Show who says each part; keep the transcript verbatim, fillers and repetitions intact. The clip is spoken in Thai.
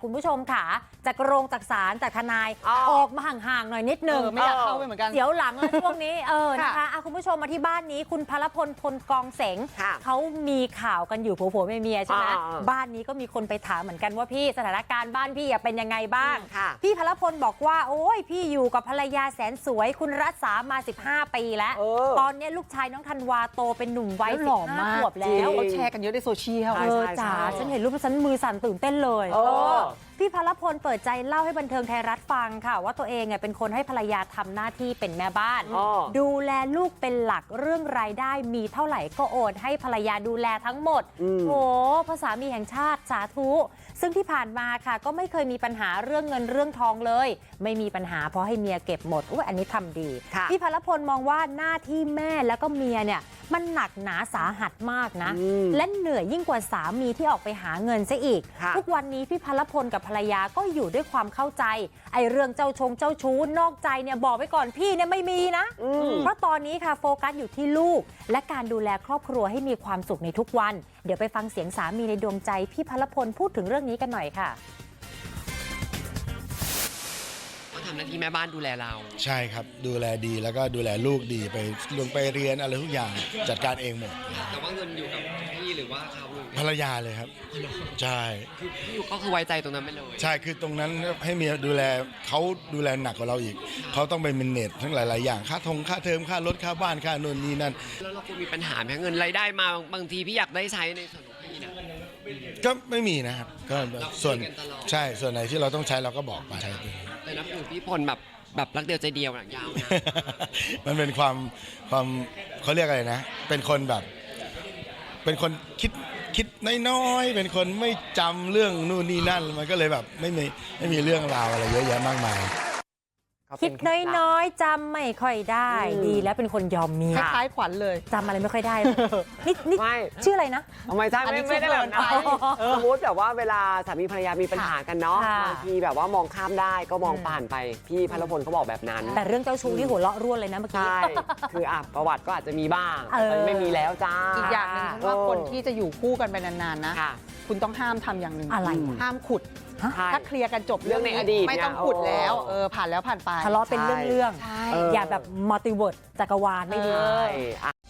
Speaker 1: คุณผู้ชมค่ะจากโรงจากศาลจากทนายออกมาห่างๆหน่อยนิดนึง
Speaker 2: ไม่อยากเข้าไปเหมือนกัน
Speaker 1: เดี๋ยวหลังแล้วช่วงนี้เออนะคะคุณผู้ชมมาที่บ้านนี้คุณพลพลพลกองเสงเขามีข่าวกันอยู่ผัวผัวเมียใช่ไหมบ้านนี้ก็มีคนไปถามเหมือนกันว่าพี่สถานการณ์บ้านพี่เป็นยังไงบ้างพี่พลพลบอกว่าโอ้ยพี่อยู่กับภรรยาแสนสวยคุณรัศามาสิบห้าปีแล้วตอนนี้ลูกชายน้องธันวาโตเป็นหนุ่มวัยสิบห้าขวบแล้ว
Speaker 2: เขาแชร์กันเยอะในโซเชียล
Speaker 1: เออจ๋าฉันเห็นรูปฉันมือสั่นตื่นเต้นเลยพี่พลพลเปิดใจเล่าให้บันเทิงไทยรัฐฟังค่ะว่าตัวเองเป็นคนให้ภรรยาทำหน้าที่เป็นแม่บ้านดูแลลูกเป็นหลักเรื่องรายได้มีเท่าไหร่ก็โอนให้ภรรยาดูแลทั้งหมดโหภาษามีแห่งชาติสาธุซึ่งที่ผ่านมาค่ะก็ไม่เคยมีปัญหาเรื่องเงินเรื่องทองเลยไม่มีปัญหาเพราะให้เมียเก็บหมดอุ๊ยอันนี้ทำดีพี่พลพลมองว่าหน้าที่แม่แล้วก็เมียเนี่ยมันหนักหนาสาหัสมากนะและเหนื่อยยิ่งกว่าสามีที่ออกไปหาเงินซะอีกทุกวันนี้พี่พลพลกับภรรยาก็อยู่ด้วยความเข้าใจไอ้เรื่องเจ้าชงเจ้าชู้นอกใจเนี่ยบอกไว้ก่อนพี่เนี่ยไม่มีนะเพราะตอนนี้ค่ะโฟกัสอยู่ที่ลูกและการดูแลครอบครัวให้มีความสุขในทุกวันเดี๋ยวไปฟังเสียงสามีในดวงใจพี่พลพลพูดถึงเรื่องนี้กันหน่อยค่ะ
Speaker 3: ทำหน้าที่แม่บ้านดูแลเรา
Speaker 4: ใช่ครับดูแลดีแล้วก็ดูแลลูกดีไปลงไปเรียนอะไรทุกอย่างจัดการเองหมด
Speaker 3: แต่ว่าเงินอยู่กับพี่หรือว่าเขา
Speaker 4: ภรรยาเลยครับใช่
Speaker 3: คือพี่อยู่ก็คือไว้ใจตรงนั้นไปเลย
Speaker 4: ใช่คือตรงนั้นให้เมียดูแลเขาดูแลหนักกว่าเราอีกเขาต้องไปเมเนจทั้งหลายๆอย่างค่าทงค่าเทอมค่ารถค่าบ้านค่าโน่นนี่นั่น
Speaker 3: แล้วเราก็มีปัญหาไหมเงินรายได้มาบางทีพี่อยากได้ใช้ในส่วนของพี่นะ
Speaker 4: ก็ไม่มีนะครับก็ส่วนใช่ส่วนไหนที่เราต้องใช้เราก็บอกไป
Speaker 3: แต่นับถือพี่พลแบบแบบรักเดียวใจเดียวนะยาวนะ
Speaker 4: มันเป็นความความเขาเรียกอะไรนะเป็นคนแบบเป็นคนคิดคิดน้อยๆเป็นคนไม่จำเรื่องนู่นนี่นั่นมันก็เลยแบบไม่มีไม่มีเรื่องราวอะไรเยอะแยะมากมาย
Speaker 1: คิดน้อยๆจำไม่ค่อยได้ดีแล้วเป็นคนยอมเมีย
Speaker 2: คล้ายขวัญเลย
Speaker 1: จำอะไรไม่ค่อยได้นี่นี่ชื่ออะไรนะ
Speaker 3: ทำไมใช่ไม่ไม่ได้แบบนั้นสมมติแบบว่าเวลาสามีภรรยามีปัญหากันเนาะบางทีแบบว่ามองข้ามได้ก็มองผ่านไปพี่พลพลเขาบอกแบบนั้น
Speaker 1: แต่เรื่องเจ้าชู้ที่หัวเราะร่วนเลยนะเมื่อกี้
Speaker 3: ใช่คืออ่ะประวัติก็อาจจะมีบ้างแต่ไม่มีแล้วจ้า
Speaker 2: อีกอย่างหนึ่งว่าคนที่จะอยู่คู่กันไปนานๆนะคุณต้องห้ามทำอย่างหนึ่ง
Speaker 1: อะไร
Speaker 2: ห้ามขุดถ้าเคลียร์กันจบ
Speaker 3: เรื่องในอดีต
Speaker 2: ไม่ต้องขุดแล้วเออผ่านแล้วผ่านไป
Speaker 1: ทะเลาะเป็นเรื่องๆอย่าแบบมัลติเวิร์สจักรวาลไม่ดี